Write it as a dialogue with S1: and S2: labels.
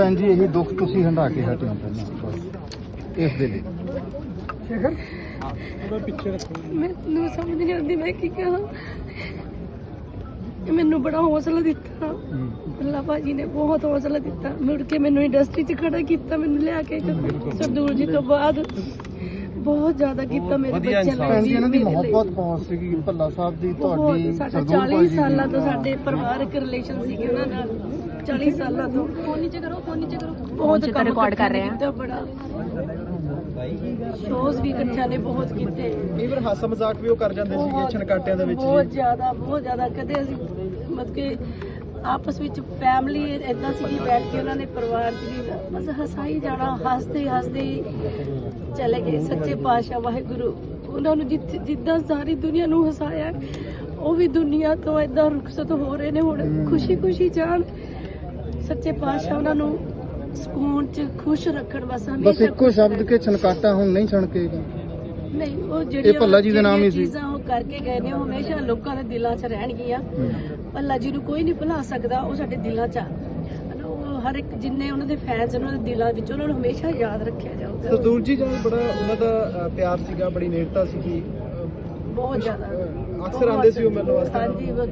S1: ਭੈਣ ਜੀ ਇਹੀ ਦੁੱਖ ਤੁਸੀਂ ਹੰਢਾ ਕੇ ਹਟੇ ਹੋ ਪਹਿਲਾਂ ਇਸ ਦੇ ਲਈ।
S2: ਮੈਨੂੰ ਸਮਝ ਨਹੀਂ ਆਉਂਦੀ ਮੈਂ ਕੀ ਕਹਾਂ। ਮੈਨੂੰ ਬੜਾ ਹੌਸਲਾ ਦਿੱਤਾ ਅੱਲਾ ਭਾਜੀ ਨੇ, ਬਹੁਤ ਹੌਸਲਾ ਦਿੱਤਾ। ਮੁੜ ਕੇ ਮੈਨੂੰ ਇੰਡਸਟਰੀ 'ਚ ਖੜਾ ਕੀਤਾ, ਮੈਨੂੰ ਲਿਆ ਕੇ ਸਰਦੂਲ ਜੀ ਤੋਂ ਬਾਅਦ ਬਹੁਤ ਜ਼ਿਆਦਾ ਕੀਤਾ ਮੇਰੇ ਬੱਚਿਆਂ ਲਈ।
S1: ਭੈਣ ਜੀ ਇਹਨਾਂ ਦੀ ਮੁਹੱਬਤ ਬਹੁਤ ਸੀਗੀ ਭੱਲਾ ਸਾਹਿਬ ਦੀ ਤੁਹਾਡੀ।
S2: ਸਾਡਾ 40 ਸਾਲਾਂ ਤੋਂ ਸਾਡੇ ਪਰਿਵਾਰਕ ਰਿਲੇਸ਼ਨ ਸੀਗੇ ਉਹਨਾਂ ਨਾਲ, 40 ਸਾਲਾਂ ਤੋਂ। ਫੋਨ ਨੀਚੇ ਕਰੋ ਬਹੁਤ ਰਿਕਾਰਡ ਕਰ ਰਹੇ ਆ। ਬੜਾ ਸ਼ੋਜ਼ ਵੀ ਇਕੱਠਿਆਂ ਨੇ ਬਹੁਤ ਕੀਤੇ।
S1: ਕਈ ਵਾਰ ਹਾਸਾ ਮਜ਼ਾਕ ਵੀ ਉਹ ਕਰ ਜਾਂਦੇ ਸੀਗੇ ਛਣਕਾਟਿਆਂ ਦੇ ਵਿੱਚ।
S2: ਬਹੁਤ ਜ਼ਿਆਦਾ ਕਦੇ ਅਸੀਂ ਮਤਲਬ ਕਿ ਆਪਸ ਵਿੱਚ ਫੈਮਿਲੀ ਏਦਾਂ ਸੀ ਬੈਠ ਕੇ ਉਹਨਾਂ ਨੇ ਪਰਿਵਾਰ ਦੀ ਬਸ ਹਸਾਈ ਜਾਣਾ, ਹੱਸਦੇ ਚਲੇ ਗਏ। ਸੱਚੇ ਪਾਤਸ਼ਾਹ ਵਾਹਿਗੁਰੂ ਉਹਨਾਂ ਨੂੰ ਜਿੱਦਾਂ ਸਾਰੀ ਦੁਨੀਆ ਨੂੰ ਹਸਾਇਆ, ਉਹ ਵੀ ਦੁਨੀਆ ਤੋਂ ਏਦਾਂ ਰੁਖਸਤ ਹੋ ਰਹੇ ਨੇ ਹੁਣ। ਖੁਸ਼ੀ ਜਾਣ। ਸੱਚੇ ਪਾਤਸ਼ਾਹ ਉਹਨਾਂ ਨੂੰ ਸਕੂਨ 'ਚ ਖੁਸ਼ ਰੱਖਣ। ਬਸ
S1: ਇੱਕੋ ਸ਼ਬਦ ਕੇ ਛਣਕਾਟਾ ਹੁਣ ਨਹੀਂ ਛਣਕੇਗਾ।
S2: ਨਹੀਂ, ਉਹ ਜਿਹੜੀਆਂ
S1: ਭੱਲਾ ਜੀ ਦੇ ਨਾਮ ਹੀ ਸੀ।
S2: ਚੀਜ਼ਾਂ ਉਹ ਕਰਕੇ ਗਏ ਨੇ ਉਹ ਹਮੇਸ਼ਾ ਲੋਕਾਂ ਦੇ ਦਿਲਾਂ 'ਚ ਰਹਿਣਗੀਆਂ। ਭੱਲਾ ਜੀ ਨੂੰ ਕੋਈ ਨਹੀਂ ਭੁਲਾ ਸਕਦਾ, ਉਹ ਸਾਡੇ ਦਿਲਾਂ 'ਚ ਆ। ਉਹ ਹਰ ਇੱਕ ਜਿੰਨੇ ਉਹਨਾਂ ਦੇ ਫੈਨਸ ਉਹਨਾਂ ਦੇ ਦਿਲਾਂ ਵਿੱਚ ਉਹਨਾਂ ਨੂੰ ਹਮੇਸ਼ਾ ਯਾਦ ਰੱਖਿਆ ਜਾਊਗਾ।
S1: ਸਰਦੂਲ ਜੀ ਨਾਲ ਬੜਾ ਉਹਨਾਂ ਦਾ ਪਿਆਰ ਸੀਗਾ, ਬੜੀ ਨੇੜਤਾ ਸੀਗੀ।
S2: ਬਹੁਤ ਜ਼ਿਆਦਾ
S1: ਅਕਸਰ ਆਉਂਦੇ ਸੀ ਉਹ ਮਿਲਣ ਵਾਸਤੇ।
S2: ਹਾਂਜੀ।